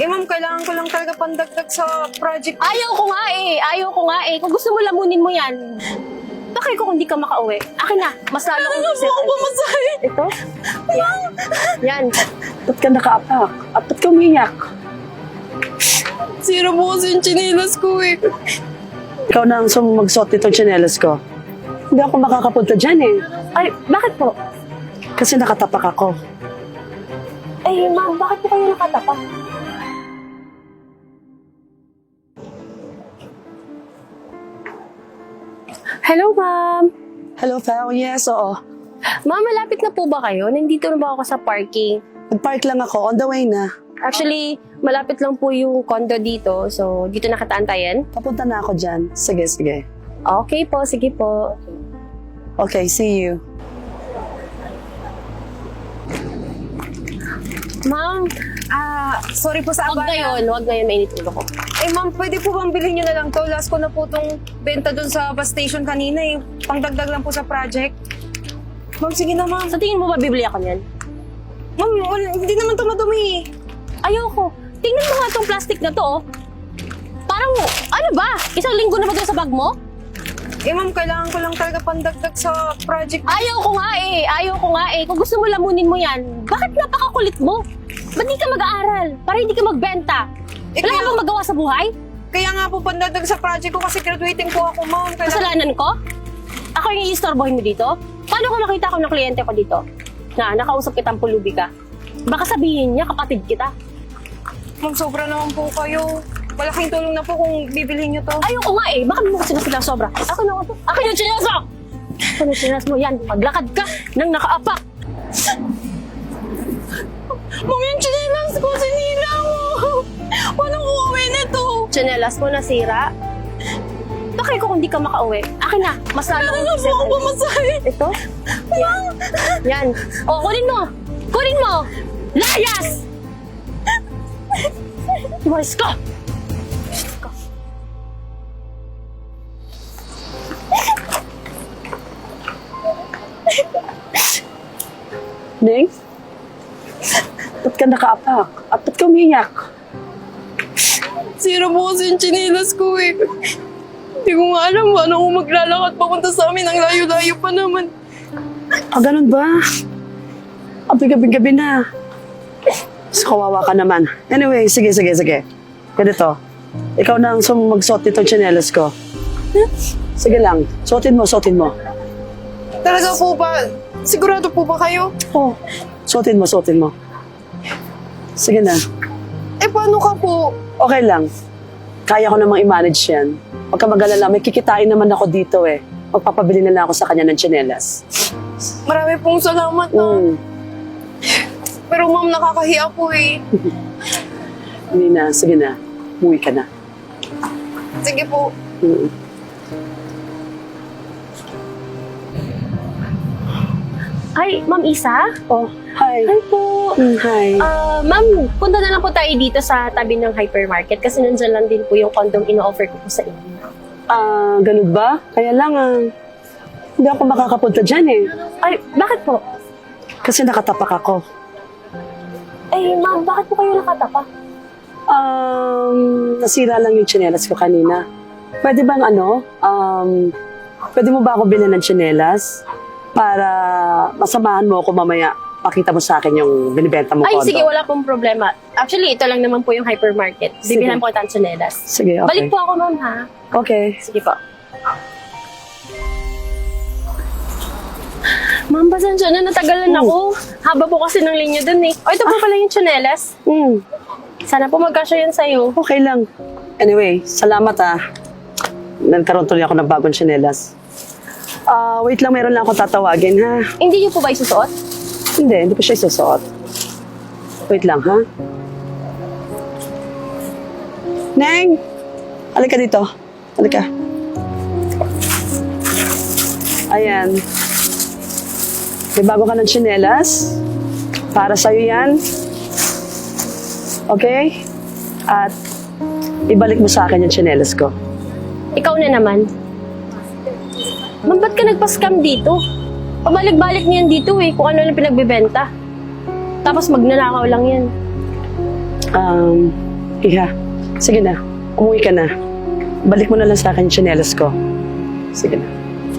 Ma'am, kailangan ko lang talaga pandagdag sa project. Ayaw ko nga eh. Ayaw ko nga eh. Kung gusto mo lamunin mo yan. Bakit ko kung di ka makauwi? Akin na. Mas lalo kong Ano po ako pamasahe? Ito? Yan. Yan. Ba't ka nakaapak? At ba't ka umiyak? Sira po kasi yung chinelas ko eh. Ikaw na ang magsuot nitong tsinelas ko. Hindi ako makakapunta dyan eh. Ay, bakit po? Kasi nakatapak ako. Ay, ma'am, bakit po kayo nakatapak? Hello, ma'am. Hello, Fao. Yes, oo. Ma'am, malapit na po ba kayo? Nandito na ba ako sa parking? Nag-park lang ako. On the way na. Actually, malapit lang po yung condo dito. So, dito nakataantayan. Papunta na ako dyan. Sige, sige. Okay po, sige po. Okay, see you. Ma'am, sorry po sa Huwag abala. ngayon, mainit ulo ko. Ma'am, pwede po bang bilhin nyo na lang to? Last ko na po tong benta dun sa bus station kanina eh. Pangdagdag lang po sa project. Ma'am, sige na ma'am. Sa tingin mo ba bibili ako niyan? Ma'am, hindi naman to madumi eh. Ayoko. Tingnan mo nga tong plastic na to, oh. Parang, ano ba? Isang linggo na ba ito sa bag mo? Ma'am, kailangan ko lang talaga pandagdag sa project. Ayaw ko nga eh. Ayaw ko nga eh. Kung gusto mo lamunin mo yan, bakit napakakulit mo? Ba't di ka mag-aaral? Para hindi ka magbenta? Wala ka bang magawa sa buhay? Kaya nga po pandagdag sa project ko kasi graduating po ako, ma'am. Kasalanan ko? Ako yung iistorbohin mo dito? Paano kung nakita ko ng kliyente ko dito? Na, nakausap kitang pulubi ka. Baka sabihin niya, kapatid kita. Ma'am, sobra naman po kayo. Malaking tulong na po kung bibilhin nyo to. Ayoko nga eh. Bakit mo kasi sila sobra? Ako na nga to. Akin yung chinelas mo! Akin yung chinelas mo. Yan, maglakad ka nang nakaapak. Ma'am, yung chinelas ko, sinila mo. Walang uuwi nito. Chinelas mo nasira. Bakit ko kung di ka makauwi? Akin na. Mas lalo kong Ano po ako pamasahe? Ito? Yan. Yan. O, kunin mo. Kunin mo. Layas! Umalis ka. Neng? Ba't ka nakaapak? At ba't ka umiyak? Sira po kasi yung chinelas ko eh. Hindi ko nga alam paano ako maglalakad papunta sa amin. Ang layo-layo pa naman. Ganun ba? Gabi-gabi na. Mas kawawa ka naman. Anyway, sige. Ganito. Ikaw na ang magsuot nitong tsinelas ko. Sige lang. Suotin mo. Talaga po ba? Sigurado po ba kayo? Oh, suotin mo. Sige na. Paano ka po? Okay lang. Kaya ko namang i-manage yan. Huwag ka mag-alala, may kikitain naman ako dito eh. Magpapabili na lang ako sa kanya ng tsinelas. Marami pong salamat na. Pero ma'am, nakakahiya po eh. Hindi na, sige na. Umuwi ka na. Sige po. Ay, Ma'am Isa? Oh, hi. Hi po. Hi. Ma'am, punta na lang po tayo dito sa tabi ng hypermarket kasi nandyan lang din po yung condom ino-offer ko po sa inyo. Ganun ba? Kaya lang, hindi ako makakapunta dyan eh. Ay, bakit po? Kasi nakatapak ako. Ay, ma'am, bakit po kayo nakatapa? Nasira lang yung tsinelas ko kanina. Pwede bang pwede mo ba ako bilhin ng tsinelas? Para masamahan mo ako mamaya, pakita mo sa akin yung binibenta mo Ay, kondo. sige, wala pong problema. Actually, ito lang naman po yung hypermarket. Sige. Bibihan po kita ng tsinelas. Sige, okay. Balik po ako, ma'am, ha? Okay. Sige po. Ma'am, pasensya na, natagalan ako. Haba po kasi ng linya dun eh. O, ito po pala yung tsinelas. Sana po magkasya yan sa'yo. Okay lang. Anyway, salamat Nagkaroon tuloy ako ng bagong tsinelas. Wait lang, meron lang akong tatawagin, ha? Hindi niyo po ba isusuot? Hindi pa siya isusuot. Wait lang, ha? Neng! Halika dito. Halika. Ayan. May bago ka ng tsinelas. Para sa'yo yan. Okay? At ibalik mo sa akin yung tsinelas ko. Ikaw na naman. Ma'am, ba't ka nagpa-scam dito? Pabalik-balik niyan dito eh, kung ano lang pinagbibenta. Tapos magnanakaw lang yan. Iha, sige na. Umuwi ka na. Balik mo na lang sa akin yung tsinelas ko. Sige na.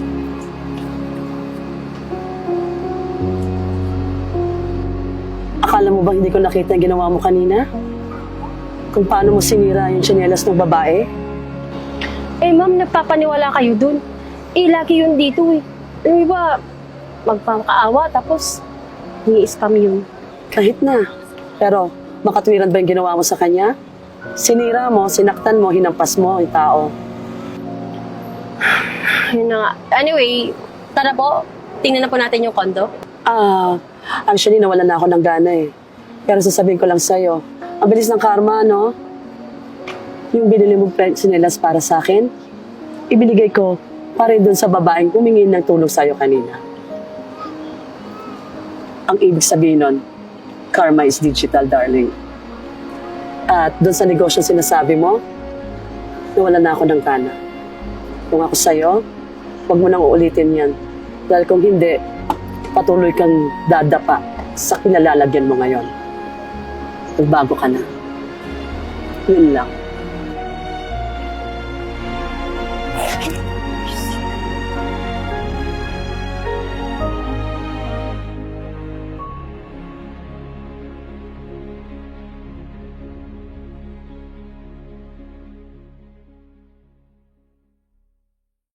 Akala mo ba hindi ko nakita yung ginawa mo kanina? Kung paano mo sinira yung tsinelas ng babae? Eh, ma'am, nagpapaniwala kayo dun. Eh, lagi yun dito eh. Yung iba, magpapakaawa, tapos ni-spam yun. Kahit na. Pero, makatwiran ba yung ginawa mo sa kanya? Sinira mo, sinaktan mo, hinampas mo yung tao. Yun na nga. Anyway, tara po, tingnan na po natin yung kondo. Actually, nawalan na ako ng gana eh. Pero sasabihin ko lang sa'yo, ang bilis ng karma, no? Yung binili mong tsinelas para sa akin, ibinigay ko para doon sa babaeng humingin ng tulong sa'yo kanina. Ang ibig sabihin nun, karma is digital, darling. At doon sa negosyo sinasabi mo, nawalan na ako ng gana. Kung ako sa'yo, huwag mo nang uulitin yan. Dahil kung hindi, patuloy kang dadapa sa kinalalagyan mo ngayon. Magbago ka na. Yun lang.